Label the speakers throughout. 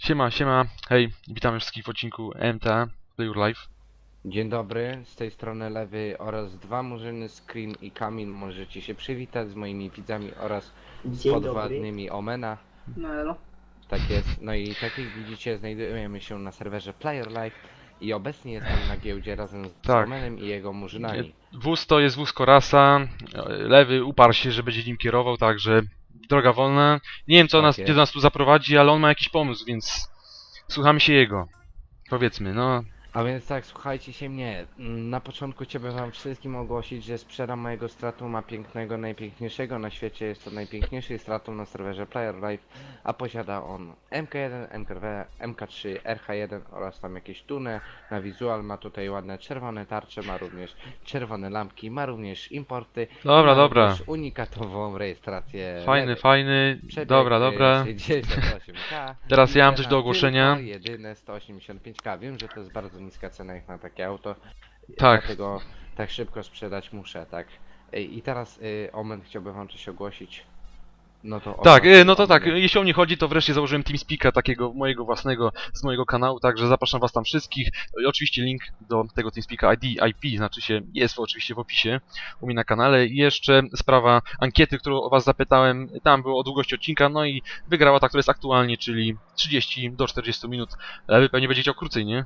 Speaker 1: Siema, siema, hej, witamy wszystkich w odcinku MTA Play Your Life.
Speaker 2: Dzień dobry, z tej strony Lewy oraz dwa murzyny, Scream i Kamil. Możecie się przywitać z moimi widzami oraz z
Speaker 3: Dzień dobry.
Speaker 2: podwładnymi Omena.
Speaker 3: No elo.
Speaker 2: Tak jest, no i tak jak widzicie znajdujemy się na serwerze Player Life i obecnie jestem na giełdzie razem z
Speaker 1: Tak.
Speaker 2: Omenem i jego murzynami.
Speaker 1: Wóz to jest wóz Korasa, Lewy uparł się, że będzie nim kierował, także droga wolna. Nie wiem,
Speaker 2: Tak
Speaker 1: gdzie
Speaker 2: jest.
Speaker 1: nas tu zaprowadzi, ale on ma jakiś pomysł, więc słuchamy się jego. Powiedzmy, no.
Speaker 2: A więc tak, słuchajcie się mnie. Na początku chciałbym wam wszystkim ogłosić, że sprzedam mojego Stratuma pięknego, najpiękniejszego na świecie. Jest to najpiękniejszy Stratum na serwerze Player Life, a posiada on MK1, MKW, MK3, RH1 oraz tam jakieś tuny. Na wizual ma tutaj ładne czerwone tarcze, ma również czerwone lampki, ma również importy.
Speaker 1: Dobra,
Speaker 2: ma
Speaker 1: dobra.
Speaker 2: również unikatową rejestrację.
Speaker 1: Fajny,
Speaker 2: Lewy.
Speaker 1: fajny,
Speaker 2: Przebieg,
Speaker 1: dobra, dobra.
Speaker 2: 68K.
Speaker 1: Teraz
Speaker 2: I
Speaker 1: ja mam
Speaker 2: cena
Speaker 1: coś do ogłoszenia.
Speaker 2: Tylko jedyne 185K. Wiem, że to jest bardzo niska cena jak na takie auto.
Speaker 1: Tak.
Speaker 2: Dlatego tak szybko sprzedać muszę, tak. I teraz Omen chciałby wam coś ogłosić. No to
Speaker 1: Tak,
Speaker 2: ogłoś,
Speaker 1: no to tak,
Speaker 2: Omenie.
Speaker 1: jeśli o mnie chodzi, to wreszcie założyłem TeamSpeaka takiego mojego własnego, z mojego kanału, także zapraszam was tam wszystkich. I oczywiście link do tego TeamSpeaka IP, znaczy się, jest oczywiście w opisie u mnie na kanale. I jeszcze sprawa ankiety, którą o was zapytałem, tam było o długości odcinka, no i wygrała ta, która jest aktualnie, czyli 30 do 40 minut. Ale wy pewnie będzie chciał krócej, nie?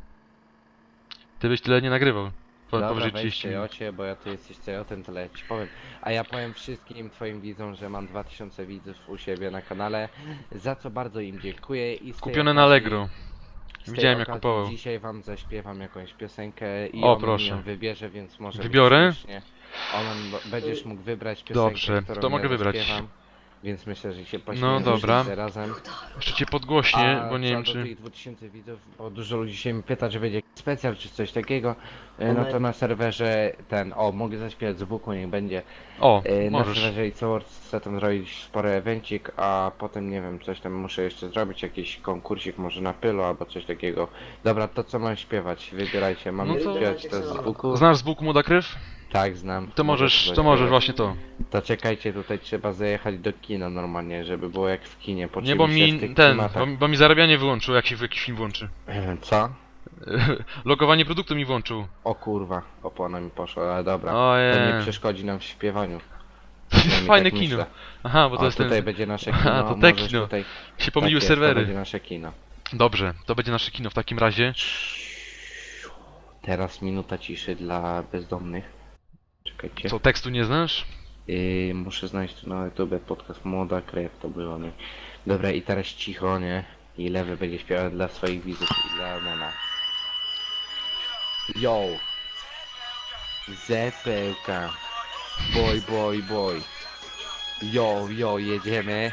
Speaker 1: Ty byś tyle nie nagrywał.
Speaker 2: Dobra,
Speaker 1: Powyżej
Speaker 2: weź
Speaker 1: 30 minut.
Speaker 2: Cejocie, bo ty jesteś Cejotem, tyle ja ci powiem. A ja powiem wszystkim twoim widzom, że mam 2000 widzów u siebie na kanale, za co bardzo im dziękuję i z tej
Speaker 1: Kupione na
Speaker 2: okazji-
Speaker 1: Allegro.
Speaker 2: Z tej
Speaker 1: Widziałem, jak
Speaker 2: okazji
Speaker 1: kupował.
Speaker 2: dzisiaj wam zaśpiewam jakąś piosenkę i
Speaker 1: O,
Speaker 2: on
Speaker 1: proszę.
Speaker 2: ją wybierze, więc może
Speaker 1: Wybiorę?
Speaker 2: być śmiesznie. Będziesz mógł wybrać piosenkę,
Speaker 1: Dobrze,
Speaker 2: którą
Speaker 1: to mogę
Speaker 2: ja
Speaker 1: wybrać.
Speaker 2: zaśpiewam, więc myślę, że się
Speaker 1: No
Speaker 2: pośmiejemy
Speaker 1: dobra.
Speaker 2: wszyscy razem.
Speaker 1: Jeszcze cię podgłośnie,
Speaker 2: A
Speaker 1: bo nie
Speaker 2: co
Speaker 1: wiem
Speaker 2: do
Speaker 1: czy...
Speaker 2: tych 2000 widzów, bo dużo ludzi się mi pyta, czy będzie jakiś specjal czy coś takiego, no to na serwerze mogę zaśpiewać z buku, niech będzie.
Speaker 1: O,
Speaker 2: Na
Speaker 1: możesz.
Speaker 2: serwerze It's chcę tam zrobić spory evencik, a potem nie wiem, coś tam muszę jeszcze zrobić, jakiś konkursik może na pylo albo coś takiego. Dobra, to co mam śpiewać? Wybierajcie, mam
Speaker 1: No to-
Speaker 2: śpiewać to z buku?
Speaker 1: Znasz z Bóg Młoda Krew?
Speaker 2: Tak, znam.
Speaker 1: To
Speaker 2: Mogę
Speaker 1: możesz,
Speaker 2: to
Speaker 1: to możesz
Speaker 2: zaśpiewać.
Speaker 1: właśnie to.
Speaker 2: To czekajcie, tutaj trzeba zajechać do kina normalnie, żeby było jak w kinie.
Speaker 1: Nie, bo
Speaker 2: Poczuliśmy się w
Speaker 1: mi
Speaker 2: tych
Speaker 1: ten,
Speaker 2: klimatach.
Speaker 1: bo mi zarabianie wyłączył, jak się w jakiś film włączy.
Speaker 2: Co?
Speaker 1: Logowanie produktu mi włączył.
Speaker 2: O kurwa, opona mi poszła, ale dobra. To
Speaker 1: Ojej.
Speaker 2: nie przeszkodzi nam w śpiewaniu. Przynajmniej
Speaker 1: Fajne
Speaker 2: tak
Speaker 1: kino.
Speaker 2: myślę.
Speaker 1: Aha, bo to
Speaker 2: O,
Speaker 1: jest
Speaker 2: tutaj
Speaker 1: ten...
Speaker 2: będzie nasze
Speaker 1: Aha,
Speaker 2: kino.
Speaker 1: to te
Speaker 2: możesz
Speaker 1: kino.
Speaker 2: Tutaj...
Speaker 1: Się pomyliły
Speaker 2: tak jest, to
Speaker 1: serwery.
Speaker 2: będzie nasze kino.
Speaker 1: Dobrze, to będzie nasze kino w takim razie.
Speaker 2: Teraz minuta ciszy dla bezdomnych. Czekajcie.
Speaker 1: Co, tekstu nie znasz?
Speaker 2: Muszę znaleźć tu na YouTube podcast Młoda Krew, to było, nie? Dobra, i teraz cicho, nie? I Lewy będzie śpiewał dla swoich widzów i dla Mena. Yo! Zepełka! Boy, boy, boy! Yo, yo, jedziemy!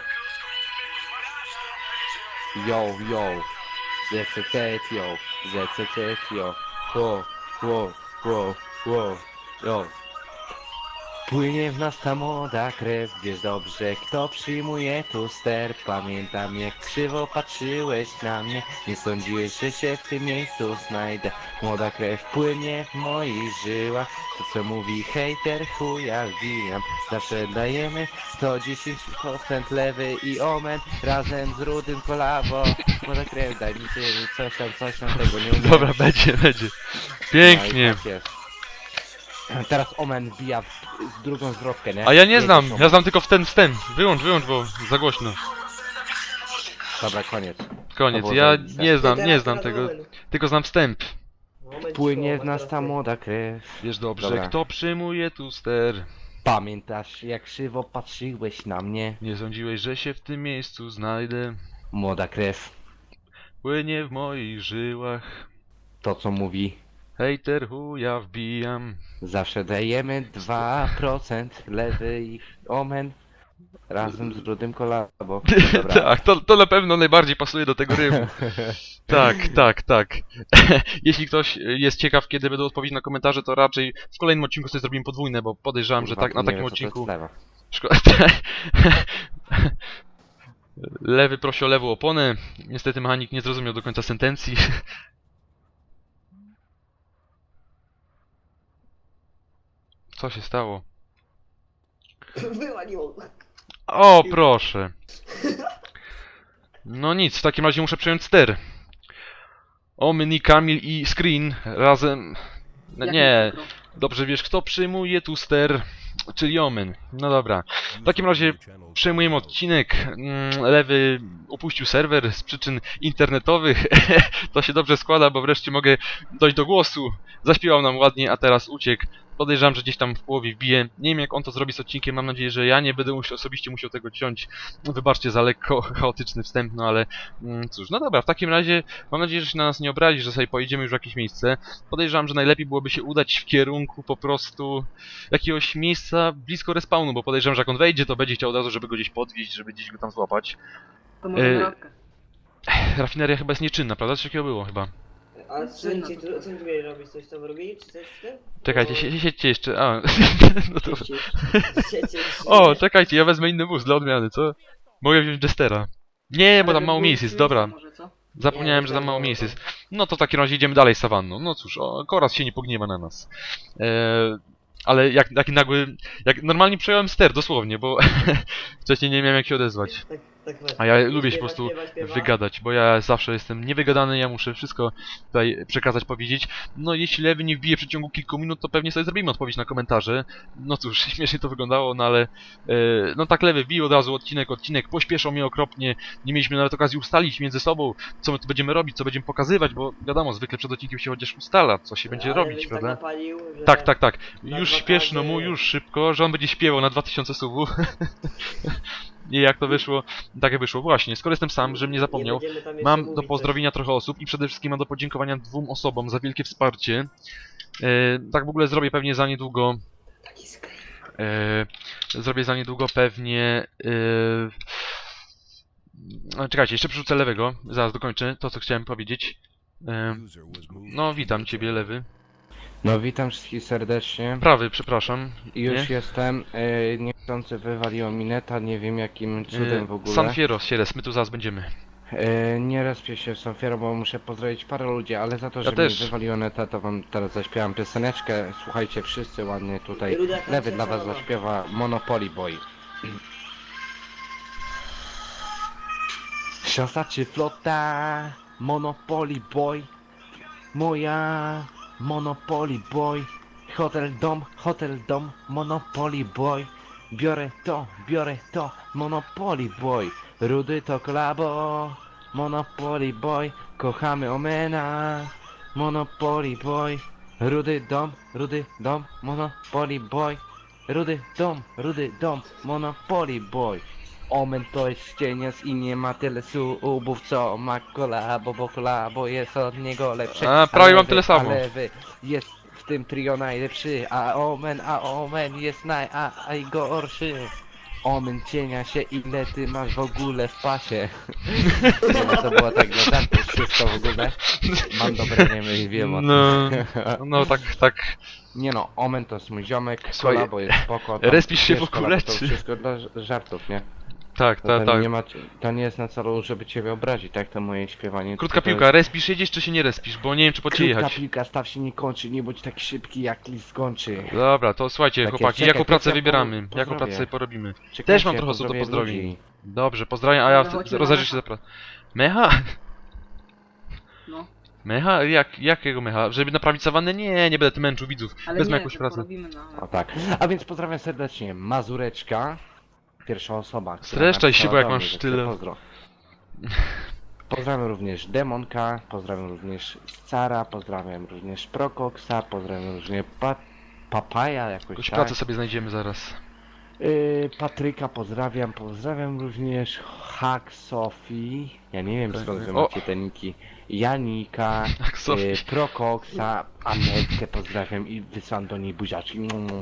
Speaker 2: Yo, yo! Zecetio! Zecetio! Wo, wo, wo, wo! Yo! Płynie w nas ta młoda krew, wiesz dobrze, kto przyjmuje tu ster. Pamiętam jak krzywo patrzyłeś na mnie, nie sądziłeś, że się w tym miejscu znajdę. Młoda krew płynie w moich żyłach, to co mówi hejter chuja wbijam. Zawsze dajemy 110% Lewy i Omen, razem z Rudym kolabo. Młoda krew, daj mi coś tam tego nie umiem.
Speaker 1: Dobra, będzie.
Speaker 2: No
Speaker 1: Pięknie.
Speaker 2: i tak jest. Teraz Omen wbija w drugą zwrotkę, nie?
Speaker 1: A ja nie
Speaker 2: Jedziesz,
Speaker 1: znam,
Speaker 2: Omen.
Speaker 1: ja znam tylko wstęp. Wyłącz, bo za głośno.
Speaker 2: Dobra, koniec.
Speaker 1: Koniec,
Speaker 2: To było
Speaker 1: ja
Speaker 2: zajebiste.
Speaker 1: nie znam tego, tylko znam wstęp.
Speaker 2: Płynie w nas ta młoda krew.
Speaker 1: Wiesz dobrze,
Speaker 2: Dobra.
Speaker 1: kto przyjmuje tu ster.
Speaker 2: Pamiętasz jak krzywo patrzyłeś na mnie?
Speaker 1: Nie sądziłeś, że się w tym miejscu znajdę.
Speaker 2: Młoda krew.
Speaker 1: Płynie w moich żyłach.
Speaker 2: To co mówi.
Speaker 1: Hejter chuja wbijam.
Speaker 2: Zawsze dajemy 2% Lewy i Omen. Razem z Rudym kolabo. Dobra.
Speaker 1: Tak, to na pewno najbardziej pasuje do tego rymu. Tak. Jeśli ktoś jest ciekaw, kiedy będą odpowiedzi na komentarze, to raczej w kolejnym odcinku sobie zrobimy podwójne, bo podejrzewam, że
Speaker 2: Kurwa,
Speaker 1: tak, na
Speaker 2: nie
Speaker 1: takim
Speaker 2: wiem, co to
Speaker 1: odcinku...
Speaker 2: jest lewa.
Speaker 1: Szkoda. Lewy prosi o lewą oponę. Niestety mechanik nie zrozumiał do końca sentencji. Co się stało?
Speaker 3: Wyłaniło.
Speaker 1: O, proszę. No nic, w takim razie muszę przejąć ster. Omni, Kamil i Screen razem... No
Speaker 3: Jak
Speaker 1: nie,
Speaker 3: przykro.
Speaker 1: dobrze wiesz kto przyjmuje tu ster, czyli Omen. No dobra, w takim razie przejmujemy odcinek. Lewy opuścił serwer z przyczyn internetowych. To się dobrze składa, bo wreszcie mogę dojść do głosu. Zaśpiewał nam ładnie, a teraz uciekł. Podejrzewam, że gdzieś tam w połowie wbije. Nie wiem jak on to zrobi z odcinkiem, mam nadzieję, że ja nie będę osobiście musiał tego ciąć. Wybaczcie za lekko chaotyczny wstęp, no ale cóż, no dobra, w takim razie mam nadzieję, że się na nas nie obrazi, że sobie pojedziemy już w jakieś miejsce. Podejrzewam, że najlepiej byłoby się udać w kierunku po prostu jakiegoś miejsca blisko respawnu, bo podejrzewam, że jak on wejdzie, to będzie chciał od razu, żeby go gdzieś podwieźć, żeby gdzieś go tam złapać.
Speaker 3: To może
Speaker 1: Yy,
Speaker 3: na radkę.
Speaker 1: Rafineria chyba jest nieczynna, prawda? Coś takiego było chyba.
Speaker 4: A co
Speaker 3: Czynna
Speaker 4: oni
Speaker 3: to
Speaker 4: tu mieli robić? Coś tam robili? Czy coś w tym?
Speaker 1: Czekajcie, siedźcie jeszcze, a... no to...
Speaker 4: Siecie,
Speaker 1: O, czekajcie, ja wezmę inny wóz dla odmiany, co? Mogę wziąć Jestera. Nie, bo
Speaker 3: Ale
Speaker 1: tam mało
Speaker 3: było
Speaker 1: miejsc jest,
Speaker 3: przyjęcie
Speaker 1: dobra.
Speaker 3: Może, co?
Speaker 1: Zapomniałem, że tam mało miejsc jest. No to w takim razie idziemy dalej sawanną. No cóż, Koraz się nie pogniewa na nas. Ale jak nagły... Jak normalnie przejąłem ster, dosłownie, bo wcześniej nie miałem jak się odezwać.
Speaker 4: Tak,
Speaker 1: A ja
Speaker 4: I
Speaker 1: lubię się po prostu wygadać, bo ja zawsze jestem niewygadany, ja muszę wszystko tutaj przekazać, powiedzieć. No jeśli Lewy nie wbije w przeciągu kilku minut, to pewnie sobie zrobimy odpowiedź na komentarze. No cóż, śmiesznie to wyglądało, no ale... no tak Lewy wbił od razu odcinek, pośpieszał mnie okropnie. Nie mieliśmy nawet okazji ustalić między sobą, co my tu będziemy robić, co będziemy pokazywać, bo wiadomo, zwykle przed odcinkiem się chociaż ustala, co się będzie robić, prawda?
Speaker 4: Tak napalił, że
Speaker 1: Tak.
Speaker 4: na
Speaker 1: Już
Speaker 4: dwa
Speaker 1: śpieszno
Speaker 4: razy-
Speaker 1: mu, już szybko, że on będzie śpiewał na 2000 subów. I jak to wyszło? Tak jak wyszło. Właśnie, skoro jestem sam, żebym nie zapomniał,
Speaker 4: będziemy tam jeszcze
Speaker 1: mam do
Speaker 4: mówić
Speaker 1: pozdrowienia trochę osób i przede wszystkim mam do podziękowania 2 osobom za wielkie wsparcie. Tak w ogóle zrobię pewnie za niedługo.
Speaker 4: coś. Taki sklep.
Speaker 1: Zrobię za niedługo pewnie... czekajcie, jeszcze przerzucę Lewego. Zaraz dokończę to, co chciałem powiedzieć. No, witam ciebie, Lewy.
Speaker 2: No witam wszystkich serdecznie.
Speaker 1: Prawy, przepraszam.
Speaker 2: Już
Speaker 1: nie?
Speaker 2: jestem. Niechcący wywaliło mi neta, nie wiem jakim cudem w ogóle.
Speaker 1: San Fierro, Sieres, my tu zaraz będziemy.
Speaker 2: Nie respię się w Sanfiero, bo muszę pozdrowić parę ludzi, ale za to,
Speaker 1: Ja
Speaker 2: że mi
Speaker 1: też.
Speaker 2: wywaliło neta, to wam teraz zaśpiewam pioseneczkę. Słuchajcie wszyscy ładnie tutaj.
Speaker 4: Ruda tam
Speaker 2: Lewy
Speaker 4: się
Speaker 2: dla was
Speaker 4: cała.
Speaker 2: zaśpiewa Monopoly Boy. Szosa czy flota? Monopoly Boy. Moja Monopoly Boy. Hotel dom, Monopoly Boy. Biorę to, Monopoly Boy. Rudy to kolabo, Monopoly Boy. Kochamy Omena, Monopoly Boy. Rudy dom, Monopoly Boy. Rudy dom, Monopoly Boy. Omen to jest cienias i nie ma tyle subów co ma kolabo, bo kolabo jest od niego lepszy.
Speaker 1: A, prawie mam
Speaker 2: lewy,
Speaker 1: tyle samo.
Speaker 2: a lewy jest w tym trio najlepszy, a Omen jest najgorszy. Omen cienia się, ile ty masz w ogóle w pasie. Nie, no to było tak dla żartu wszystko w ogóle. Mam dobre niemy i wiem o tym.
Speaker 1: No tak.
Speaker 2: Nie no, Omen to jest mój ziomek,
Speaker 1: Słuchaj,
Speaker 2: kolabo jest spoko. tam
Speaker 1: respisz się
Speaker 2: wiesz,
Speaker 1: w ogóle,
Speaker 2: kolabo to
Speaker 1: czy-
Speaker 2: wszystko dla żartów, nie?
Speaker 1: Tak.
Speaker 2: To nie ma, to nie jest na celu, żeby ciebie obrazić, tak? To moje śpiewanie.
Speaker 1: Krótka
Speaker 2: tylko to
Speaker 1: piłka, respisz, jedziesz czy się nie respisz, bo nie wiem czy po ciebie
Speaker 2: Krótka
Speaker 1: jechać.
Speaker 2: piłka, staw się nie kończy, nie bądź tak szybki jak list skończy.
Speaker 1: Dobra, to słuchajcie
Speaker 2: Tak jest,
Speaker 1: chłopaki,
Speaker 2: czekaj,
Speaker 1: jaką
Speaker 2: to
Speaker 1: pracę
Speaker 2: ja
Speaker 1: wybieramy?
Speaker 2: pozdrowię.
Speaker 1: Jaką pracę sobie porobimy?
Speaker 2: Czekajcie,
Speaker 1: Też mam trochę osób do
Speaker 2: pozdrowię
Speaker 1: pozdrowień.
Speaker 2: ludzi.
Speaker 1: Dobrze, pozdrawiam, a ja
Speaker 3: Dobra, chodźmy na
Speaker 1: rozejrzę się
Speaker 3: mecha.
Speaker 1: za Mecha?
Speaker 3: No,
Speaker 1: Mecha? Jakiego mecha? Żeby naprawić sawannę? Nie będę tym męczył widzów.
Speaker 3: ale
Speaker 1: Wezmę
Speaker 3: nie,
Speaker 1: jakąś
Speaker 3: to
Speaker 1: pracę.
Speaker 3: porobimy na...
Speaker 2: O tak. A więc pozdrawiam serdecznie Mazureczka. Pierwsza osoba. która
Speaker 1: Streszczaj się,
Speaker 2: napisała
Speaker 1: bo jak
Speaker 2: do
Speaker 1: masz
Speaker 2: mnie, że
Speaker 1: tyle-
Speaker 2: chce pozdro. Pozdrawiam również Demonka, pozdrawiam również Scara, pozdrawiam również Prokoksa, pozdrawiam również Papaja jakoś
Speaker 1: Jakąś
Speaker 2: tak.
Speaker 1: pracę sobie znajdziemy zaraz.
Speaker 2: Patryka pozdrawiam również Hack Sofii. Ja nie wiem skąd wy
Speaker 1: O!
Speaker 2: macie te niki. Janika,
Speaker 1: Tak, Sofii.
Speaker 2: Prokoksa, Amelkę pozdrawiam i wysłam do niej buziaczki.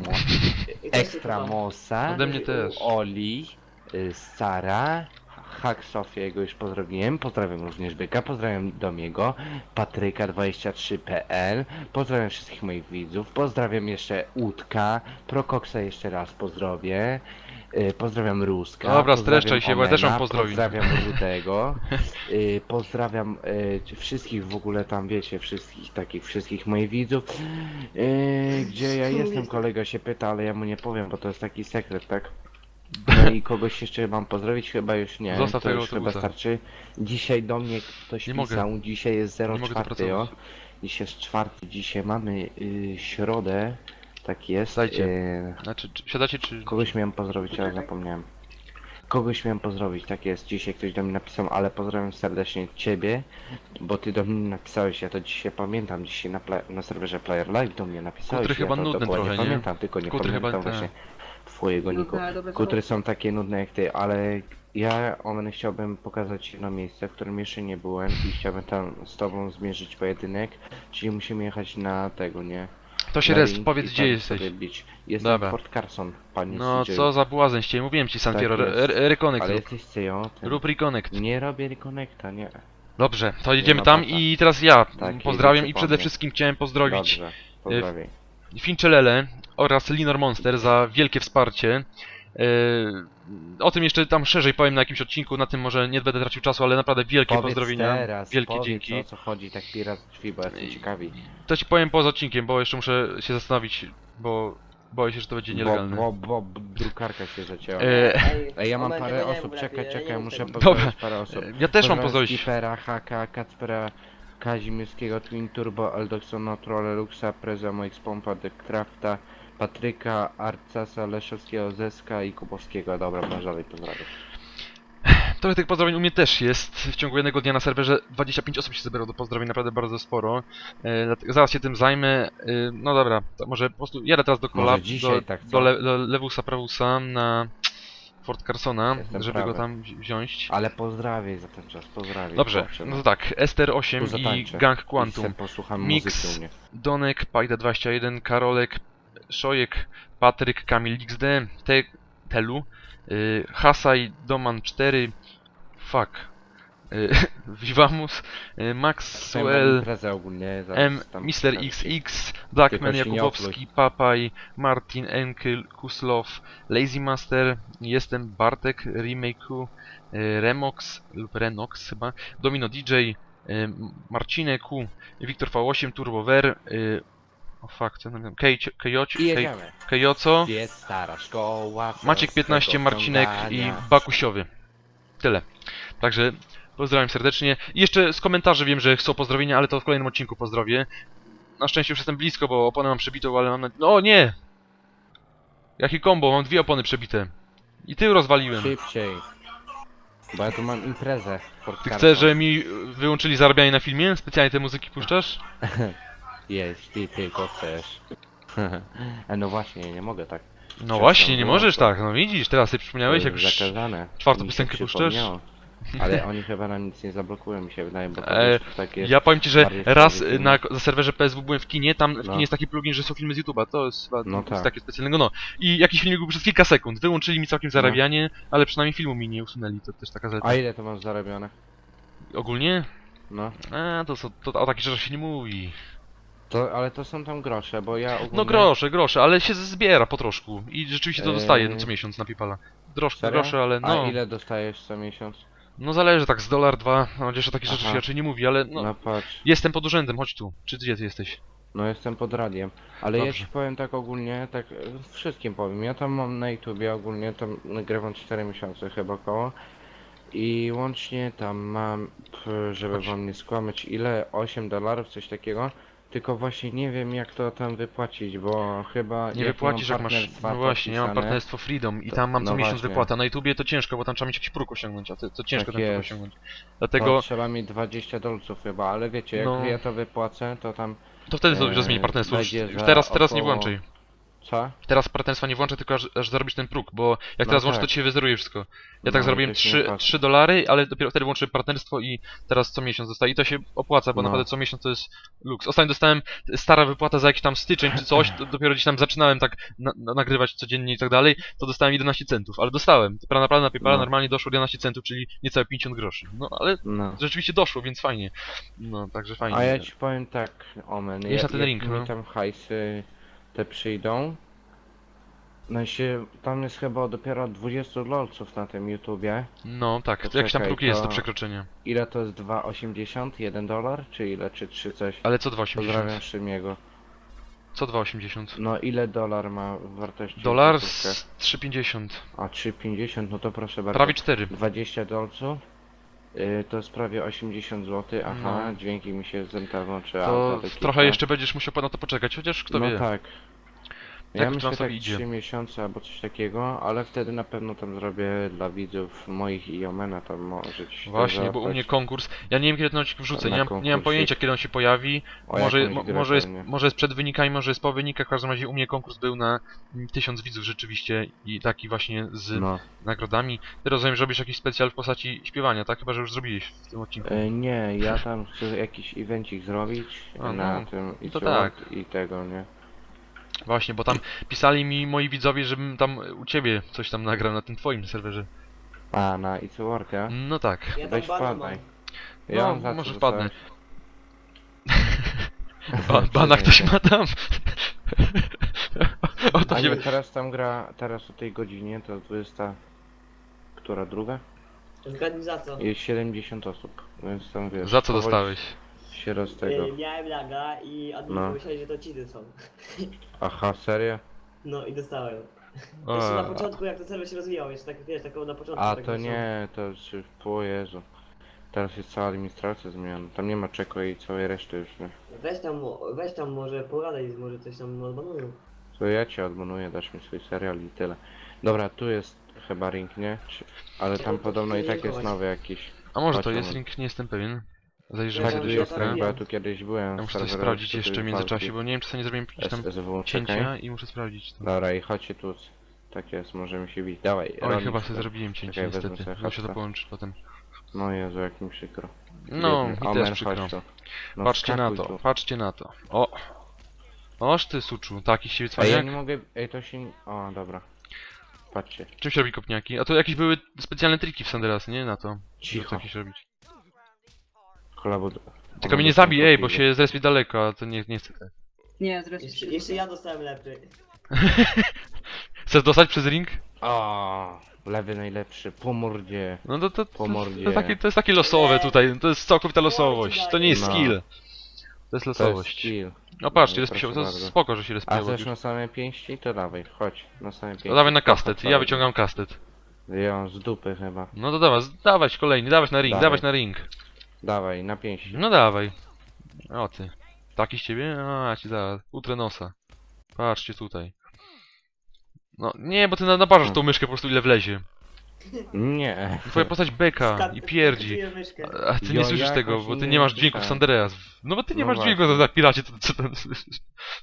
Speaker 2: Ekstra Mosa,
Speaker 1: Ode mnie też.
Speaker 2: Oli, Sara, Hack Sofiego już pozdrowiłem, pozdrawiam również Byka, pozdrawiam Domiego, Patryka23.pl, pozdrawiam wszystkich moich widzów, pozdrawiam jeszcze Łódka, Prokoksa jeszcze raz pozdrowię, pozdrawiam Ruska,
Speaker 1: Dobra,
Speaker 2: pozdrawiam
Speaker 1: streszczaj się, bo ja też mam
Speaker 2: Omena,
Speaker 1: pozdrowień.
Speaker 2: pozdrawiam Rudego, pozdrawiam wszystkich w ogóle tam wiecie, wszystkich moich widzów, gdzie ja jestem, kolega się pyta, ale ja mu nie powiem, bo to jest taki sekret, tak? No i kogoś jeszcze mam pozdrowić? Chyba już nie.
Speaker 1: Zostaw
Speaker 2: to
Speaker 1: tego
Speaker 2: już chyba
Speaker 1: autobusa.
Speaker 2: starczy. Dzisiaj do mnie ktoś
Speaker 1: Nie mogę.
Speaker 2: pisał, dzisiaj jest
Speaker 1: Nie mogę tu
Speaker 2: 04,
Speaker 1: pracować.
Speaker 2: Dzisiaj jest 4, dzisiaj mamy środę. Tak jest.
Speaker 1: Słuchajcie. Znaczy, siadacie czy...
Speaker 2: Kogoś miałem pozdrowić, ale zapomniałem. Kogoś miałem pozdrowić, tak jest. Dzisiaj ktoś do mnie napisał, ale pozdrawiam serdecznie ciebie, bo ty do mnie napisałeś, ja to dzisiaj pamiętam, dzisiaj na serwerze Player Live do mnie napisałeś.
Speaker 1: Kutry chyba
Speaker 2: ja to
Speaker 1: nudny
Speaker 2: dokładnie
Speaker 1: trochę, nie?
Speaker 2: pamiętam, tylko nie
Speaker 1: Kutry chyba
Speaker 2: pamiętam właśnie twojego niku.
Speaker 3: Nudne, ale dobre
Speaker 2: Kutry
Speaker 3: zabawy.
Speaker 2: są takie nudne jak ty, ale ja, Omen, chciałbym pokazać jedno miejsce, w którym jeszcze nie byłem i chciałbym tam z tobą zmierzyć pojedynek, czyli musimy jechać na tego, nie?
Speaker 1: To się
Speaker 2: Na
Speaker 1: rest,
Speaker 2: ring
Speaker 1: powiedz
Speaker 2: i
Speaker 1: gdzie
Speaker 2: tam
Speaker 1: jesteś.
Speaker 2: sobie bić. Jestem
Speaker 1: Dobra.
Speaker 2: w Fort Carson, panie
Speaker 1: No
Speaker 2: CJ.
Speaker 1: co za błazen ściej, mówiłem ci San
Speaker 2: Tak
Speaker 1: Fierro,
Speaker 2: jest.
Speaker 1: reconnect
Speaker 2: Ale
Speaker 1: rób.
Speaker 2: jesteś CEO,
Speaker 1: Rób reconnect.
Speaker 2: nie robię reconnecta, nie.
Speaker 1: Dobrze, to jedziemy
Speaker 2: ma
Speaker 1: tam
Speaker 2: bata.
Speaker 1: i teraz ja
Speaker 2: Tak,
Speaker 1: pozdrawiam
Speaker 2: jedziecie
Speaker 1: i
Speaker 2: po
Speaker 1: przede
Speaker 2: mnie.
Speaker 1: wszystkim chciałem pozdrowić
Speaker 2: Dobrze, pozdrawiam.
Speaker 1: Finczelele oraz Linor Monster za wielkie wsparcie. O tym jeszcze tam szerzej powiem na jakimś odcinku, na tym może nie będę tracił czasu, ale naprawdę wielkie
Speaker 2: Powiedz
Speaker 1: pozdrowienia,
Speaker 2: teraz,
Speaker 1: wielkie
Speaker 2: powiedz,
Speaker 1: dzięki.
Speaker 2: o co chodzi tak raz drzwi, bo jestem ciekawi.
Speaker 1: To ci powiem poza odcinkiem, bo jeszcze muszę się zastanowić, bo boję się, że to będzie nielegalne.
Speaker 2: Bo drukarka się zacięła. Ej, ja mam
Speaker 4: Omen,
Speaker 2: parę
Speaker 4: tego nie
Speaker 2: osób,
Speaker 4: mów
Speaker 2: czekaj,
Speaker 4: lepiej,
Speaker 2: czekaj,
Speaker 4: nie
Speaker 2: muszę
Speaker 4: mów tego.
Speaker 2: pozdrowić parę osób.
Speaker 1: Ja też mam
Speaker 2: Pozdrawiam
Speaker 1: pozdrowić.
Speaker 2: Skipera, Haka, Kacpera, Kazimierskiego, Twin Turbo, Eldoxona, Trolle, Luxa, Preza, Moix Pompa, Crafta, Patryka, Arcasa, Leszowskiego, Zeska i Kubowskiego. Dobra, może dalej pozdrawiam.
Speaker 1: Trochę tych pozdrowień u mnie też jest. W ciągu jednego dnia na serwerze 25 osób się zebrało do pozdrowień, naprawdę bardzo sporo. Dlatego zaraz się tym zajmę. No dobra, to może po prostu jadę teraz do
Speaker 2: Może dzisiaj tak, co?
Speaker 1: do Lewusa Prawusa na Fort Carsona,
Speaker 2: Jestem
Speaker 1: żeby
Speaker 2: prawy.
Speaker 1: go tam wziąć.
Speaker 2: Ale pozdrawiaj za ten czas, pozdrawiaj.
Speaker 1: Dobrze,
Speaker 2: chłopcze,
Speaker 1: no to tak, Ester 8
Speaker 2: Tu
Speaker 1: i
Speaker 2: zatańczę.
Speaker 1: Gang
Speaker 2: I
Speaker 1: Quantum.
Speaker 2: se posłucham
Speaker 1: Mix.
Speaker 2: muzyki u mnie.
Speaker 1: Donek, Pajda 21, Karolek, Szojek, Patryk, Kamil XD, Telu, Hasaj, Doman 4, fuck, Vivamus,
Speaker 2: Chciałem
Speaker 1: Maxwell,
Speaker 2: imprezę ogólnie, zaraz
Speaker 1: M,
Speaker 2: tam
Speaker 1: Mr.
Speaker 2: pokażę ci.
Speaker 1: XX, Blackman,
Speaker 2: Tylko się nie
Speaker 1: Jakubowski, Papaj, Martin, Enkel, Kuslow, Lazy Master, jestem Bartek, Remake'u, Remox lub Renox chyba, Domino DJ, Marcinek, Wiktor V8, Turbover, o fuck, co tam,
Speaker 2: I jedziemy.
Speaker 1: Kejoco,
Speaker 2: Gdzie jest stara szkoła?
Speaker 1: Maciek 15, Marcinek i Bakusiowy. Tyle. Także pozdrawiam serdecznie. I jeszcze z komentarzy wiem, że chcą pozdrowienia, ale to w kolejnym odcinku pozdrowię. Na szczęście już jestem blisko, bo oponę mam przebitą, ale mam... No nie! Jaki combo, mam 2 opony przebite. I tył rozwaliłem.
Speaker 2: Szybciej. Bo ja tu mam imprezę. w Fort
Speaker 1: Ty
Speaker 2: Carson.
Speaker 1: chcesz, że mi wyłączyli zarabianie na filmie? Specjalnie te muzyki puszczasz?
Speaker 2: Jeśli tylko chcesz. No właśnie, nie mogę tak.
Speaker 1: No właśnie, nie możesz tak, no widzisz, teraz sobie przypomniałeś,
Speaker 2: To
Speaker 1: jak
Speaker 2: jest
Speaker 1: już...
Speaker 2: zakazane.
Speaker 1: czwartą
Speaker 2: Mi się
Speaker 1: piosenkę puszczasz?
Speaker 2: przypomniało. Ale oni chyba nam nic nie zablokują, mi się wydaje, bo to
Speaker 1: E,
Speaker 2: wiesz, tak jest.
Speaker 1: Ja powiem ci, że
Speaker 2: bardziej
Speaker 1: raz
Speaker 2: sprawiedliwe.
Speaker 1: na serwerze PSW byłem w kinie, tam w
Speaker 2: No.
Speaker 1: kinie jest taki plugin, że są filmy z YouTube'a, to jest chyba
Speaker 2: No
Speaker 1: nic
Speaker 2: tak.
Speaker 1: takiego specjalnego, no. I jakiś filmik był przez kilka sekund, wyłączyli mi całkiem zarabianie, ale przynajmniej filmu mi nie usunęli, to też taka zaleta.
Speaker 2: A ile to masz zarobione?
Speaker 1: Ogólnie?
Speaker 2: No.
Speaker 1: To o takich rzeczach się nie mówi.
Speaker 2: Ale to są tam grosze, bo ja ogólnie...
Speaker 1: No grosze, ale się zbiera po troszku i rzeczywiście to dostaję co miesiąc na Pipala.
Speaker 2: Serio?
Speaker 1: Grosze, ale no,
Speaker 2: A ile dostajesz co miesiąc?
Speaker 1: no zależy, tak z dolar, dwa, no chociaż o takich rzeczach
Speaker 2: Aha.
Speaker 1: się raczej nie mówi, ale no,
Speaker 2: No patrz.
Speaker 1: jestem pod urzędem, chodź tu. Czy gdzie ty jesteś?
Speaker 2: No jestem pod radiem, ale ja
Speaker 1: Dobrze.
Speaker 2: ci powiem tak ogólnie, tak wszystkim powiem, ja tam mam na YouTubie ogólnie, tam nagrywam 4 miesiące chyba około i łącznie tam mam, żeby
Speaker 1: Chodź.
Speaker 2: wam nie skłamać, ile? $8, coś takiego, tylko właśnie nie wiem jak to tam wypłacić, bo chyba
Speaker 1: Nie
Speaker 2: jak
Speaker 1: wypłacisz
Speaker 2: mam
Speaker 1: jak masz.
Speaker 2: partnerstwa
Speaker 1: No właśnie, ja mam
Speaker 2: podpisane,
Speaker 1: partnerstwo Freedom i
Speaker 2: to-
Speaker 1: tam mam co
Speaker 2: no
Speaker 1: miesiąc
Speaker 2: właśnie.
Speaker 1: wypłata. Na YouTubie to ciężko, bo tam trzeba mieć jakiś próg osiągnąć, a to ciężko
Speaker 2: Tak
Speaker 1: ten próg
Speaker 2: jest.
Speaker 1: osiągnąć.
Speaker 2: to
Speaker 1: Dlatego
Speaker 2: trzeba mieć $20, chyba, ale wiecie, jak
Speaker 1: No.
Speaker 2: ja to wypłacę, to tam,
Speaker 1: to wtedy sobie rozmieni partnerstwo. Już,
Speaker 2: będzie
Speaker 1: już
Speaker 2: za
Speaker 1: teraz nie
Speaker 2: około-
Speaker 1: włączaj.
Speaker 2: co?
Speaker 1: Teraz partnerstwa nie włączę, tylko aż zarobisz ten próg, bo jak
Speaker 2: No
Speaker 1: teraz włączę,
Speaker 2: tak.
Speaker 1: to ci się wyzeruje wszystko. Ja
Speaker 2: No
Speaker 1: tak
Speaker 2: i
Speaker 1: zarobiłem
Speaker 2: to się nie opłaca.
Speaker 1: $3, ale dopiero wtedy włączyłem partnerstwo i teraz co miesiąc dostaję. I to się opłaca, bo
Speaker 2: No.
Speaker 1: naprawdę co miesiąc to jest luks. Ostatnio dostałem stara wypłata za jakiś tam styczeń czy coś, to dopiero gdzieś tam zaczynałem tak nagrywać codziennie i tak dalej, to dostałem 11 centów, ale dostałem. To naprawdę na PayPala
Speaker 2: No.
Speaker 1: normalnie doszło 11 centów, czyli niecałe 50 groszy. No ale
Speaker 2: No.
Speaker 1: rzeczywiście doszło, więc fajnie. No, także fajnie.
Speaker 2: A ja ci powiem tak, Omen,
Speaker 1: Jedź na ten
Speaker 2: jak
Speaker 1: ring,
Speaker 2: mi
Speaker 1: no.
Speaker 2: tam hajsy te przyjdą, no się, tam jest chyba dopiero 20 lolców na tym YouTubie.
Speaker 1: No tak,
Speaker 2: To
Speaker 1: jakiś tam
Speaker 2: czekaj,
Speaker 1: próg jest do
Speaker 2: to-
Speaker 1: przekroczenia.
Speaker 2: Ile to jest 2,80? $1? Czy ile? Czy 3 coś?
Speaker 1: Ale co 2,80?
Speaker 2: Pozdrawiam Szymiego.
Speaker 1: Co 2,80?
Speaker 2: No ile dolar ma w wartości?
Speaker 1: Dolar
Speaker 2: złotówkę?
Speaker 1: z 3,50.
Speaker 2: A 3,50, no to proszę bardzo.
Speaker 1: Prawie 4.
Speaker 2: 20 dolców. To jest prawie 80 zł. Aha,
Speaker 1: No.
Speaker 2: dźwięki mi się zemtawą, czy
Speaker 1: To
Speaker 2: auta takie,
Speaker 1: trochę
Speaker 2: tak?
Speaker 1: jeszcze będziesz musiał na to poczekać, chociaż kto
Speaker 2: No
Speaker 1: wie.
Speaker 2: tak.
Speaker 1: Jak
Speaker 2: Ja
Speaker 1: to
Speaker 2: myślę
Speaker 1: nam sobie
Speaker 2: tak
Speaker 1: idzie?
Speaker 2: 3 miesiące albo coś takiego, ale wtedy na pewno tam zrobię dla widzów moich i Omena, tam może ci się
Speaker 1: Właśnie,
Speaker 2: to
Speaker 1: bo u mnie
Speaker 2: załapać.
Speaker 1: konkurs. Ja nie wiem kiedy ten odcinek wrzucę,
Speaker 2: Na
Speaker 1: nie mam
Speaker 2: konkursik.
Speaker 1: pojęcia kiedy on się pojawi.
Speaker 2: O
Speaker 1: Może,
Speaker 2: jakąś grę
Speaker 1: może, jest,
Speaker 2: pewnie.
Speaker 1: może jest przed wynikami, może jest po wynikach. W każdym razie u mnie konkurs był na 1000 widzów rzeczywiście i taki właśnie z
Speaker 2: No.
Speaker 1: nagrodami. Ty rozumiem, że robisz jakiś specjal w postaci śpiewania, tak? Chyba, że już zrobiłeś w tym odcinku.
Speaker 2: Nie, ja tam chcę jakiś evencik zrobić
Speaker 1: A,
Speaker 2: na
Speaker 1: no,
Speaker 2: tym i
Speaker 1: to
Speaker 2: co,
Speaker 1: tak.
Speaker 2: i tego, nie?
Speaker 1: Właśnie, bo tam pisali mi moi widzowie, żebym tam u ciebie coś tam nagrał na tym twoim serwerze.
Speaker 2: A, na It's Work, ja?
Speaker 1: No tak.
Speaker 4: Ja tam
Speaker 2: Weź
Speaker 4: bana
Speaker 2: wpadaj.
Speaker 4: mam.
Speaker 2: Ja
Speaker 1: No,
Speaker 2: mam za co
Speaker 1: może
Speaker 2: dostać?
Speaker 1: Bana ktoś ma tam. O to
Speaker 2: A
Speaker 1: się...
Speaker 2: nie, teraz tam gra, teraz o tej godzinie to 20... Która, druga?
Speaker 4: Zgadnij za co?
Speaker 2: Jest 70 osób, więc tam wiesz...
Speaker 1: Za co
Speaker 2: powoli
Speaker 1: dostałeś?
Speaker 2: Się roz tego...
Speaker 4: Miałem laga i admin
Speaker 2: No.
Speaker 4: pomyśleli, że to cheaty są.
Speaker 2: Aha, serio?
Speaker 4: No i dostałem.
Speaker 1: O,
Speaker 4: Jeszcze na początku jak ten serwer się rozwijał, jeszcze tak wiesz, taką na początku.
Speaker 2: A
Speaker 4: tak
Speaker 2: to
Speaker 4: wyszło.
Speaker 2: nie, to już... O Jezu. Teraz jest cała administracja zmieniona. Tam nie ma czeko i całej reszty już, nie?
Speaker 4: Weź tam może pogadaj, może coś tam odbanują.
Speaker 2: To ja cię odmanuję, dasz mi swój serial i tyle. Dobra, tu jest chyba ring, nie? Ale tam
Speaker 4: to
Speaker 2: podobno i tak jest
Speaker 4: linkować.
Speaker 2: nowy jakiś.
Speaker 1: A może to
Speaker 2: Chodź,
Speaker 1: jest
Speaker 2: Roman.
Speaker 1: link, nie jestem pewien. Zajrzymy
Speaker 2: Tak,
Speaker 1: sobie
Speaker 2: tu
Speaker 1: do
Speaker 4: ja
Speaker 2: jest
Speaker 1: środka.
Speaker 2: ring, bo ja
Speaker 4: wiem.
Speaker 2: tu kiedyś byłem.
Speaker 1: Ja muszę
Speaker 2: w
Speaker 1: coś
Speaker 2: serwerach
Speaker 1: sprawdzić
Speaker 2: tutaj
Speaker 1: jeszcze w międzyczasie,
Speaker 2: walki.
Speaker 1: bo nie wiem czy sobie nie zrobiłem jakieś tam
Speaker 2: SSW,
Speaker 1: cięcia
Speaker 2: czekaj.
Speaker 1: i muszę sprawdzić to.
Speaker 2: Dobra, i chodźcie tu. Tak jest, możemy się bić. Dawaj,
Speaker 1: Oj,
Speaker 2: Ronin,
Speaker 1: chyba
Speaker 2: szukaj.
Speaker 1: sobie zrobiłem cięcie
Speaker 2: Czekaj, wezmę
Speaker 1: niestety.
Speaker 2: sobie
Speaker 1: Muszę to
Speaker 2: hapsa.
Speaker 1: połączyć potem.
Speaker 2: No Jezu, jak mi przykro.
Speaker 1: No,
Speaker 2: Biedny
Speaker 1: mi
Speaker 2: Omen,
Speaker 1: też przykro.
Speaker 2: chodź tu. No,
Speaker 1: Patrzcie na
Speaker 2: wskakuj
Speaker 1: to,
Speaker 2: tu.
Speaker 1: patrzcie na to. O! Oż ty suczu, taki z ciebie
Speaker 2: Ej, ja
Speaker 1: cwaniak?
Speaker 2: nie mogę... Ej, to się... O, dobra. Patrzcie.
Speaker 1: Czym się robi kopniaki? A to jakieś były specjalne triki w Sanderas, nie? Na to. Żeby
Speaker 2: Cicho.
Speaker 1: jakieś robić.
Speaker 2: Kolabo...
Speaker 1: Tylko mnie nie zabij, ej, bo się zrespi daleko, a to nie chcę tak.
Speaker 3: Nie, zresztą
Speaker 4: Jeszcze ja dostałem lepszy.
Speaker 1: Chcesz dostać przez ring?
Speaker 2: O, lewy najlepszy, po mordzie.
Speaker 1: No to
Speaker 2: Po mordzie.
Speaker 1: to jest takie losowe tutaj, to jest całkowita losowość, to nie jest
Speaker 2: No.
Speaker 1: skill. To jest
Speaker 2: To jest
Speaker 1: losowość.
Speaker 2: skill.
Speaker 1: No patrzcie,
Speaker 2: No,
Speaker 1: respią,
Speaker 2: proszę
Speaker 1: to
Speaker 2: bardzo.
Speaker 1: spoko, że się
Speaker 2: A
Speaker 1: respią.
Speaker 2: chcesz na same pięści? To dawaj, chodź, na same pięści.
Speaker 1: To dawaj na
Speaker 2: Kocha
Speaker 1: kastet, ja
Speaker 2: cały
Speaker 1: wyciągam kastet.
Speaker 2: dzień. Ja z dupy chyba.
Speaker 1: No to dawać kolejny, dawać na ring,
Speaker 2: Dawaj.
Speaker 1: dawać na ring.
Speaker 2: Dawaj, na pięści.
Speaker 1: No dawaj. O ty. Taki z ciebie? A, ci zaraz. Utrę nosa. Patrzcie tutaj. No nie, bo ty naparzasz tą myszkę po prostu ile wlezie.
Speaker 2: Nie.
Speaker 1: Twoja postać beka i pierdzi.
Speaker 4: Myszkę.
Speaker 1: A ty nie
Speaker 2: Jo,
Speaker 1: słyszysz
Speaker 2: jakoś
Speaker 1: tego, bo ty
Speaker 2: nie
Speaker 1: nie masz dźwięków
Speaker 2: słyszałem.
Speaker 1: Sandereas. No bo ty nie
Speaker 2: No
Speaker 1: masz dźwięku
Speaker 2: właśnie.
Speaker 1: na piracie, to co tam słyszysz?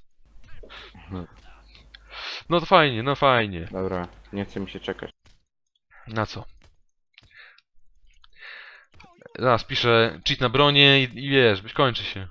Speaker 1: No to fajnie, no fajnie.
Speaker 2: Dobra, nie chce mi się czekać.
Speaker 1: Na co? Zaraz piszę cheat na bronie i wiesz, kończy się.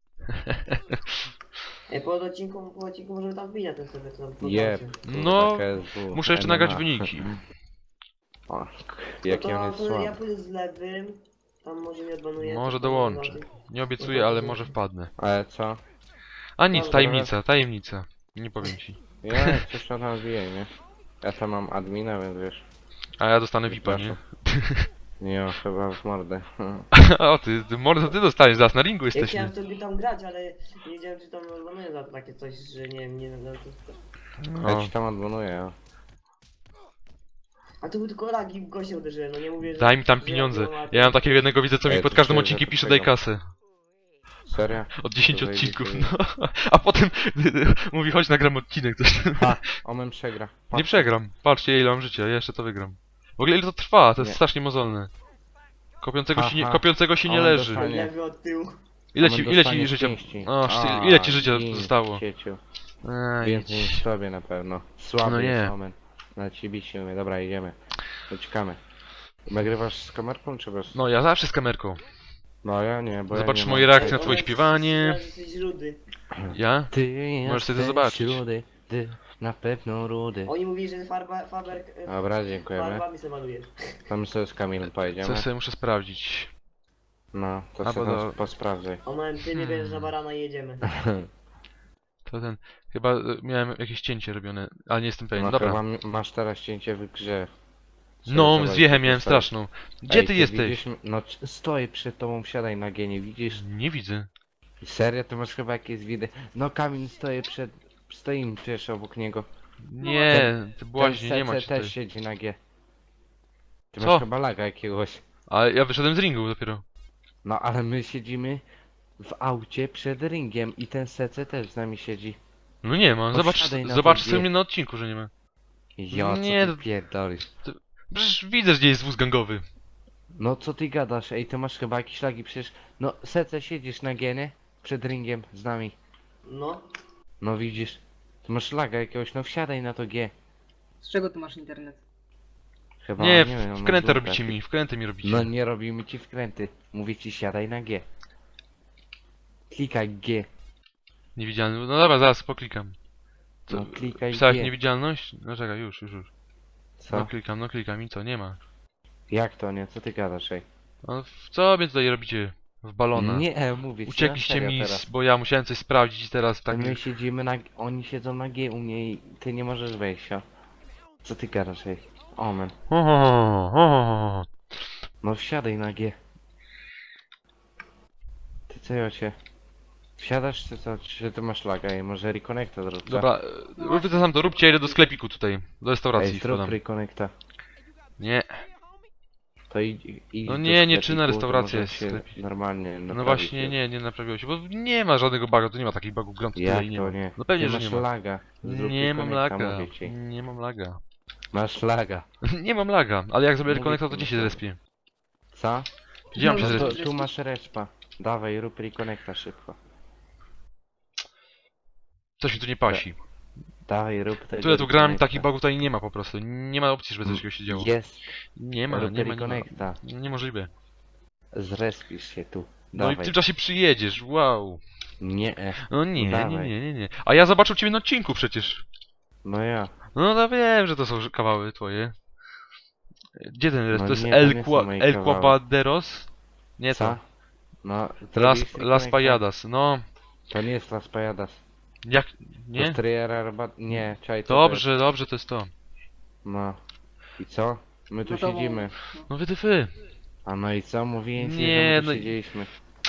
Speaker 4: Po odcinku możemy tam wbijać ten sobie, co tam
Speaker 2: Jeb.
Speaker 1: No,
Speaker 2: KSW,
Speaker 1: muszę jeszcze
Speaker 2: MMA.
Speaker 1: nagrać wyniki.
Speaker 2: O, jaki
Speaker 4: no
Speaker 2: on
Speaker 4: to,
Speaker 2: jest
Speaker 4: to ja
Speaker 2: słaby.
Speaker 4: pójdę z lewym. Tam może nie odbanuję.
Speaker 1: Może
Speaker 4: to tam
Speaker 1: dołączę.
Speaker 4: zobaczę.
Speaker 1: Nie obiecuję, ale może wpadnę.
Speaker 2: Ale co?
Speaker 1: A nic,
Speaker 4: Dobra,
Speaker 1: tajemnica, tajemnica. Nie powiem ci.
Speaker 2: Ja coś tam wbije, nie? Ja tam mam admina, więc wiesz.
Speaker 1: A ja dostanę VIPa, nie?
Speaker 2: Nie, chyba w mordę.
Speaker 1: O ty mordo, ty dostaniesz, zaraz na ringu
Speaker 4: Ja
Speaker 1: jesteśmy.
Speaker 4: chciałem sobie tam grać, ale nie wiedziałem czy tam odbanuję za takie coś, że nie no,
Speaker 2: Ja
Speaker 1: No.
Speaker 2: ci tam odmanuję, ja.
Speaker 4: A to był tylko lag i w gościa uderzyłem, no nie mówię, że...
Speaker 1: Daj mi tam
Speaker 4: że
Speaker 1: pieniądze.
Speaker 4: mam-
Speaker 1: Ja mam takiego jednego widzę, co mi
Speaker 2: Ej,
Speaker 1: pod
Speaker 2: to
Speaker 1: każdym
Speaker 2: czuję,
Speaker 1: odcinkiem
Speaker 2: że
Speaker 1: pisze
Speaker 2: to
Speaker 1: daj
Speaker 2: tego.
Speaker 1: kasę.
Speaker 2: Serio?
Speaker 1: Od 10
Speaker 2: To
Speaker 1: odcinków,
Speaker 2: zajebiście.
Speaker 1: no. A potem mówi chodź nagram odcinek, coś.
Speaker 2: Ha! Omen przegra.
Speaker 1: Nie przegram. Patrzcie ile mam życia, ja jeszcze to wygram. W ogóle ile to trwa, to jest
Speaker 2: Nie.
Speaker 1: strasznie mozolne.
Speaker 2: Ha.
Speaker 1: Kopiącego się nie
Speaker 2: On
Speaker 1: leży.
Speaker 2: dostanie.
Speaker 4: Lewy od tyłu.
Speaker 1: Ile
Speaker 2: Omen
Speaker 1: ci
Speaker 2: dostanie
Speaker 1: życia...
Speaker 2: pięści.
Speaker 1: O,
Speaker 2: A,
Speaker 1: ile ci życia
Speaker 2: gin,
Speaker 1: zostało?
Speaker 2: cieciu.
Speaker 1: Eee,
Speaker 2: Więcej niż tobie na pewno. Słaby
Speaker 1: No nie.
Speaker 2: jest Omen. Na ciebie się umie. Dobra, idziemy. Uciekamy. Nagrywasz z kamerką czy bez?
Speaker 1: No ja zawsze z kamerką.
Speaker 2: No ja nie, bo
Speaker 1: Zobacz
Speaker 2: ja nie
Speaker 1: moje
Speaker 2: mam.
Speaker 1: reakcje na twoje śpiewanie.
Speaker 4: Jesteś rudy.
Speaker 1: Ja?
Speaker 2: Ty
Speaker 1: Możesz sobie to
Speaker 2: jesteś
Speaker 1: zobaczyć.
Speaker 2: rudy, ty na pewno rudy.
Speaker 4: Oni mówili, że Faber...
Speaker 2: Dobra, dziękujemy.
Speaker 4: Farbami sobie malujesz.
Speaker 2: Tam sobie z Kamilem pojedziemy.
Speaker 1: Co sobie muszę sprawdzić.
Speaker 2: No, to
Speaker 1: Albo
Speaker 2: sobie
Speaker 1: do-
Speaker 2: tam posprawdzaj.
Speaker 4: Ona ty nie bierzesz na barana i jedziemy.
Speaker 1: To ten... Chyba miałem jakieś cięcie robione, ale nie jestem pewien.
Speaker 2: No
Speaker 1: Dobra.
Speaker 2: chyba masz teraz cięcie w grze.
Speaker 1: No,
Speaker 2: Zobacz,
Speaker 1: z wiechem
Speaker 2: co
Speaker 1: miałem
Speaker 2: dostałeś.
Speaker 1: straszną. Gdzie
Speaker 2: Ej,
Speaker 1: ty jesteś?
Speaker 2: Widzisz? No stoję przed tobą, wsiadaj na G, nie widzisz?
Speaker 1: Nie widzę.
Speaker 2: Serio, to masz chyba jakieś widy. No Kamil stoimy przecież obok niego.
Speaker 1: Nie, ty
Speaker 2: Ten
Speaker 1: błaźnie, nie ma
Speaker 2: CC
Speaker 1: cię tutaj.
Speaker 2: też siedzi na G. Ty
Speaker 1: Co?
Speaker 2: masz chyba laga jakiegoś.
Speaker 1: Ale ja wyszedłem z ringu dopiero.
Speaker 2: No ale my siedzimy w aucie przed ringiem i ten CC też z nami siedzi.
Speaker 1: No nie ma,
Speaker 2: No
Speaker 1: zobacz,
Speaker 2: wsiadaj na
Speaker 1: zobacz
Speaker 2: to
Speaker 1: sobie
Speaker 2: G.
Speaker 1: mnie na odcinku, że nie ma.
Speaker 2: Jo, co
Speaker 1: Nie,
Speaker 2: ty
Speaker 1: to-
Speaker 2: pierdolisz?
Speaker 1: Przecież widzę, gdzie jest wóz gangowy.
Speaker 2: No co ty gadasz? Ej, ty masz chyba jakieś lagi przecież. No CC siedzisz na G, nie? Przed ringiem z nami.
Speaker 4: No.
Speaker 2: No widzisz. Ty masz laga jakiegoś, no wsiadaj na to G.
Speaker 3: Z czego ty masz internet?
Speaker 2: Chyba,
Speaker 1: Nie,
Speaker 2: wiem,
Speaker 1: wkrętę
Speaker 2: na dwóch
Speaker 1: robicie
Speaker 2: takich.
Speaker 1: mi, wkrętę mi robicie.
Speaker 2: No nie robimy ci wkręty. Mówię ci siadaj na G. Klikaj G.
Speaker 1: Niewidzialny, no dobra, zaraz poklikam. Co,
Speaker 2: No klikaj
Speaker 1: pisałeś
Speaker 2: G.
Speaker 1: niewidzialność? No czekaj, już.
Speaker 2: Co?
Speaker 1: No klikam i co, nie ma.
Speaker 2: Jak to nie? Co ty gadasz, ej?
Speaker 1: No, co mnie tutaj robicie? W balona.
Speaker 2: Nie, mówię ci
Speaker 1: Uciekliście
Speaker 2: na serio
Speaker 1: mi,
Speaker 2: teraz.
Speaker 1: bo ja musiałem coś sprawdzić i teraz tak...
Speaker 2: My siedzimy na... Oni siedzą na G u mnie i ty nie możesz wejść, o. Co ty gadasz, ej? Omen.
Speaker 1: Ho.
Speaker 2: No wsiadaj na G. Ty co, Jocie? Wsiadasz czy co? Czy ty masz laga i może reconnecta zrób, co?
Speaker 1: Dobra, wy to sam to róbcie, ja idę do sklepiku tutaj, do restauracji
Speaker 2: Ej, zrób
Speaker 1: wpadam.
Speaker 2: reconnecta.
Speaker 1: Nie,
Speaker 2: To idź
Speaker 1: No
Speaker 2: do
Speaker 1: nie, nie
Speaker 2: sklepiku,
Speaker 1: czynna
Speaker 2: to
Speaker 1: restauracja
Speaker 2: może
Speaker 1: jest
Speaker 2: się
Speaker 1: sklepik.
Speaker 2: normalnie
Speaker 1: no
Speaker 2: naprawi
Speaker 1: właśnie
Speaker 2: się.
Speaker 1: nie naprawiło się, bo nie ma żadnego bugu, to nie ma takich bugów Grand Theft
Speaker 2: Jak
Speaker 1: Auto i nie
Speaker 2: to
Speaker 1: ma.
Speaker 2: nie?
Speaker 1: No pewnie,
Speaker 2: Ty
Speaker 1: że
Speaker 2: masz
Speaker 1: nie ma.
Speaker 2: laga. Zrób
Speaker 1: Nie mam
Speaker 2: reconnecta,
Speaker 1: laga,
Speaker 2: mówię ci.
Speaker 1: nie mam laga.
Speaker 2: Masz laga.
Speaker 1: Nie mam laga, ale jak zrobię
Speaker 2: Mówię
Speaker 1: reconnecta, to
Speaker 2: ci,
Speaker 1: gdzie
Speaker 2: no
Speaker 1: się
Speaker 2: to-
Speaker 1: zrespię?
Speaker 2: Co?
Speaker 1: Gdzie mam się
Speaker 3: No to-
Speaker 1: zrespić?
Speaker 2: To, tu masz respa. Dawaj, rób reconnecta szybko.
Speaker 1: Coś mi tu nie pasi.
Speaker 2: Dawaj, rób tego
Speaker 1: Tyle tu grałem,
Speaker 2: reconnecta.
Speaker 1: takich bugów tutaj nie ma po prostu. Nie ma opcji, żeby coś takiego się działo.
Speaker 2: Jest.
Speaker 1: Nie ma,
Speaker 2: Rób
Speaker 1: nie ma.
Speaker 2: reconnecta.
Speaker 1: Niemożliwe.
Speaker 2: Zrespisz się tu.
Speaker 1: No i w
Speaker 2: Dawaj.
Speaker 1: tym czasie przyjedziesz, wow.
Speaker 2: Nie.
Speaker 1: No nie.
Speaker 2: Dawaj.
Speaker 1: A ja zobaczył ciebie na odcinku przecież.
Speaker 2: No ja.
Speaker 1: No to wiem, że to są kawały twoje. Gdzie ten rest?
Speaker 2: No
Speaker 1: To jest
Speaker 2: nie, to nie są moje
Speaker 1: El
Speaker 2: kawały.
Speaker 1: Quapaderos? Nie
Speaker 2: Co?
Speaker 1: to.
Speaker 2: No,
Speaker 1: Las
Speaker 2: zrobisz reconnecta?
Speaker 1: Pajadas, no.
Speaker 2: To nie jest Las Pajadas.
Speaker 1: Jak...
Speaker 2: To
Speaker 1: Nie?
Speaker 2: jest Triera Rabat... Nie, czaj, to
Speaker 1: Dobrze, to jest to.
Speaker 2: No. I co? My tu
Speaker 3: No to-
Speaker 2: siedzimy.
Speaker 1: No wytyfy.
Speaker 2: A no i co? Mówiłem ci,
Speaker 1: Nie,
Speaker 2: że my tu
Speaker 1: no i-
Speaker 2: siedzieliśmy.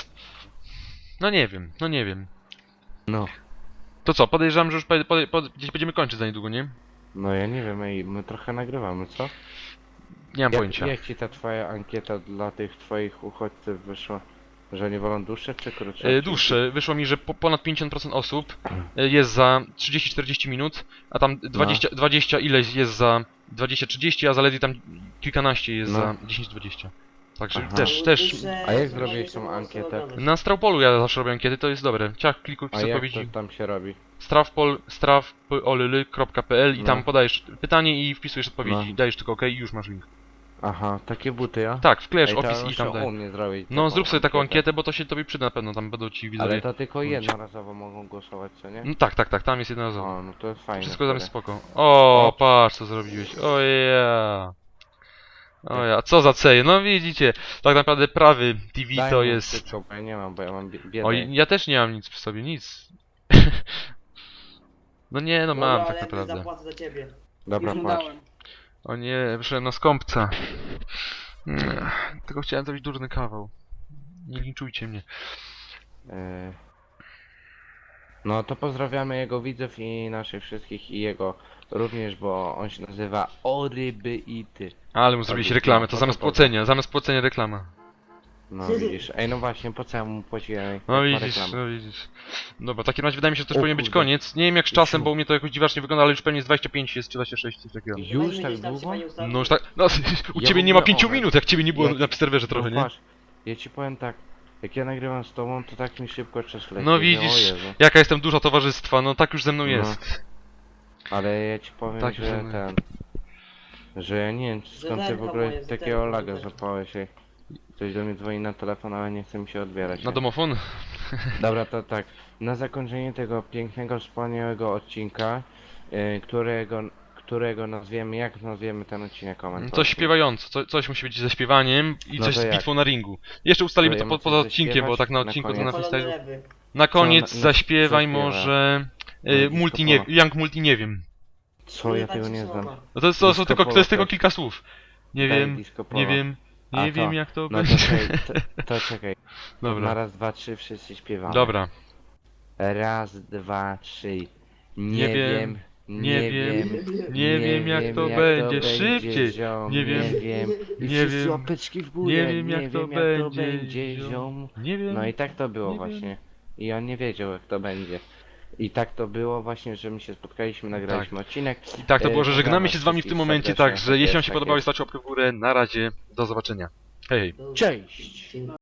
Speaker 1: No nie wiem.
Speaker 2: No.
Speaker 1: To co, podejrzewam, że już gdzieś będziemy kończyć za niedługo, nie?
Speaker 2: No ja nie wiem, ej, my trochę nagrywamy, co?
Speaker 1: Nie mam pojęcia.
Speaker 2: Jak ci ta twoja ankieta dla tych twoich uchodźców wyszła? Że nie wolą dłuższe czy krótsze?
Speaker 1: Dłuższe. Wyszło mi, że ponad 50% osób jest za 30-40 minut, a tam 20 ileś jest za 20-30, a zaledwie tam kilkanaście jest
Speaker 2: No.
Speaker 1: za 10-20. Także
Speaker 2: Aha.
Speaker 1: też...
Speaker 2: A jak zrobiłeś tą ankietę?
Speaker 1: Na Strawpolu ja zawsze robię ankiety, to jest dobre. Ciach, klikuj
Speaker 2: A
Speaker 1: w
Speaker 2: jak
Speaker 1: odpowiedzi.
Speaker 2: to tam się robi?
Speaker 1: strawpol.pl i
Speaker 2: No.
Speaker 1: tam podajesz pytanie i wpisujesz odpowiedzi.
Speaker 2: No.
Speaker 1: Dajesz tylko OK i już masz link.
Speaker 2: Aha, takie buty, ja?
Speaker 1: Tak, wklejesz
Speaker 2: Ej, to
Speaker 1: opis i
Speaker 2: muszę
Speaker 1: tam
Speaker 2: u
Speaker 1: daj.
Speaker 2: mnie zrobić
Speaker 1: No
Speaker 2: taką
Speaker 1: zrób sobie taką
Speaker 2: ankietę.
Speaker 1: ankietę, bo to się tobie przyda na pewno, tam będą ci widzowie.
Speaker 2: Ale to tylko jednorazowo mogą głosować, co nie?
Speaker 1: No tak, tam jest jednorazowo.
Speaker 2: O, no to jest fajne.
Speaker 1: Wszystko tam jest
Speaker 2: wtedy.
Speaker 1: spoko. O,
Speaker 2: O.
Speaker 1: patrz co zrobiłeś. O ja. O ja, co za ceje. No widzicie, tak naprawdę prawy TV
Speaker 2: Daj
Speaker 1: to
Speaker 2: mu
Speaker 1: jest...
Speaker 2: szybko, bo ja nie mam, bo ja mam biedę.
Speaker 1: Oj, ja też nie mam nic przy sobie, nic. No nie, no mam tak naprawdę.
Speaker 4: Zapłacę za ciebie.
Speaker 2: Dobra,
Speaker 3: Już mu
Speaker 2: patrz.
Speaker 3: dałem.
Speaker 1: O nie, wyszedłem na skąpca. Tylko chciałem zrobić durny kawał. Nie linczujcie mnie.
Speaker 2: E, No to pozdrawiamy jego widzów i naszych wszystkich i jego również, bo on się nazywa Oryby i ty.
Speaker 1: Ale mu zrobiliście reklamę, to zamiast płacenia reklama.
Speaker 2: No widzisz, ej no właśnie, po co ja mu płaciłem?
Speaker 1: No
Speaker 2: jak ma
Speaker 1: widzisz,
Speaker 2: reklamę?
Speaker 1: no widzisz. Dobra, w takim razie wydaje mi się, że to już
Speaker 2: O
Speaker 1: powinien być
Speaker 2: kurde.
Speaker 1: koniec. Nie wiem jak z czasem,
Speaker 2: Siu.
Speaker 1: bo u mnie to jakoś dziwacznie wygląda, ale już pewnie z 25 jest, czy 26, coś takiego.
Speaker 2: Już tak długo?
Speaker 1: No już tak, no u
Speaker 2: Ja
Speaker 1: ciebie
Speaker 2: w
Speaker 1: nie ma
Speaker 2: ogóle
Speaker 1: 5
Speaker 2: Omen.
Speaker 1: minut, jak ciebie nie było
Speaker 2: Ja-
Speaker 1: na serwerze trochę,
Speaker 2: No
Speaker 1: nie?
Speaker 2: patrz, ja ci powiem tak, jak ja nagrywam z tobą, to tak mi szybko czas leci.
Speaker 1: No
Speaker 2: że
Speaker 1: widzisz.
Speaker 2: O Jezu.
Speaker 1: Jaka jestem duża towarzystwa, no tak już ze mną
Speaker 2: No.
Speaker 1: jest.
Speaker 2: Ale ja ci powiem,
Speaker 1: Tak,
Speaker 2: że
Speaker 1: że-
Speaker 2: ten... Że ja nie wiem, skąd ty w
Speaker 4: Zerka
Speaker 2: ogóle
Speaker 4: moje,
Speaker 2: takiego
Speaker 4: zerka
Speaker 2: laga
Speaker 4: moje.
Speaker 2: złapałeś, ej. Ktoś do mnie dzwoni na telefon, ale nie chce mi się odbierać.
Speaker 1: Na
Speaker 2: nie?
Speaker 1: domofon?
Speaker 2: Dobra, to tak. Na zakończenie tego pięknego, wspaniałego odcinka, którego nazwiemy, jak nazwiemy ten odcinek, komentarz.
Speaker 1: Coś śpiewająco, coś musi być ze śpiewaniem i
Speaker 2: No
Speaker 1: coś
Speaker 2: to
Speaker 1: z
Speaker 2: jak?
Speaker 1: bitwą na ringu. Jeszcze ustalimy to
Speaker 2: Próbujemy
Speaker 1: poza
Speaker 2: coś
Speaker 1: odcinkiem,
Speaker 2: zaśpiewać
Speaker 1: bo tak na
Speaker 2: na
Speaker 1: odcinku to
Speaker 2: koniec.
Speaker 1: na
Speaker 4: Palone
Speaker 1: freestylu.
Speaker 4: lewy.
Speaker 1: Na koniec
Speaker 2: Co na-
Speaker 1: zaśpiewaj
Speaker 2: zaśpiewa?
Speaker 1: może...
Speaker 2: No,
Speaker 1: multi
Speaker 2: disco
Speaker 1: nie, Young Multi nie wiem.
Speaker 2: Co, ja
Speaker 4: tak
Speaker 2: tego
Speaker 4: się
Speaker 2: nie
Speaker 4: słowa.
Speaker 2: znam.
Speaker 1: No to jest
Speaker 2: Disco
Speaker 1: tylko, to
Speaker 2: polo
Speaker 1: jest tylko
Speaker 2: też.
Speaker 1: kilka słów. Nie
Speaker 2: Daj
Speaker 1: wiem,
Speaker 2: disco
Speaker 1: nie
Speaker 2: polo.
Speaker 1: wiem,
Speaker 2: A,
Speaker 1: Nie wiem jak to
Speaker 2: No
Speaker 1: będzie.
Speaker 2: to czekaj, to czekaj. Na
Speaker 1: Dobra,
Speaker 2: raz, dwa, trzy wszyscy śpiewamy.
Speaker 1: dobra.
Speaker 2: Raz, dwa, trzy.
Speaker 1: Nie wiem, nie wiem, nie wiem jak to będzie. Szybciej.
Speaker 2: ziom,
Speaker 1: Nie wiem,
Speaker 2: nie wiem. I
Speaker 1: nie
Speaker 2: wszyscy
Speaker 1: wiem,
Speaker 2: łapeczki w górę.
Speaker 1: nie wiem jak to będzie.
Speaker 2: ziom.
Speaker 1: Nie wiem.
Speaker 2: No i tak to było
Speaker 1: nie wiem.
Speaker 2: właśnie. I on nie wiedział jak to będzie. I tak to było właśnie, że my się spotkaliśmy, nagraliśmy odcinek.
Speaker 1: I tak to było, że
Speaker 2: Pozdrawiam
Speaker 1: żegnamy
Speaker 2: was
Speaker 1: się z wami w tym
Speaker 2: wszystkich
Speaker 1: momencie,
Speaker 2: serdecznie.
Speaker 1: także jeśli wam się
Speaker 2: Tak
Speaker 1: podobało,
Speaker 2: jest.
Speaker 1: stawcie łapkę w górę. Na razie, do zobaczenia. Hej, hej.
Speaker 2: Cześć!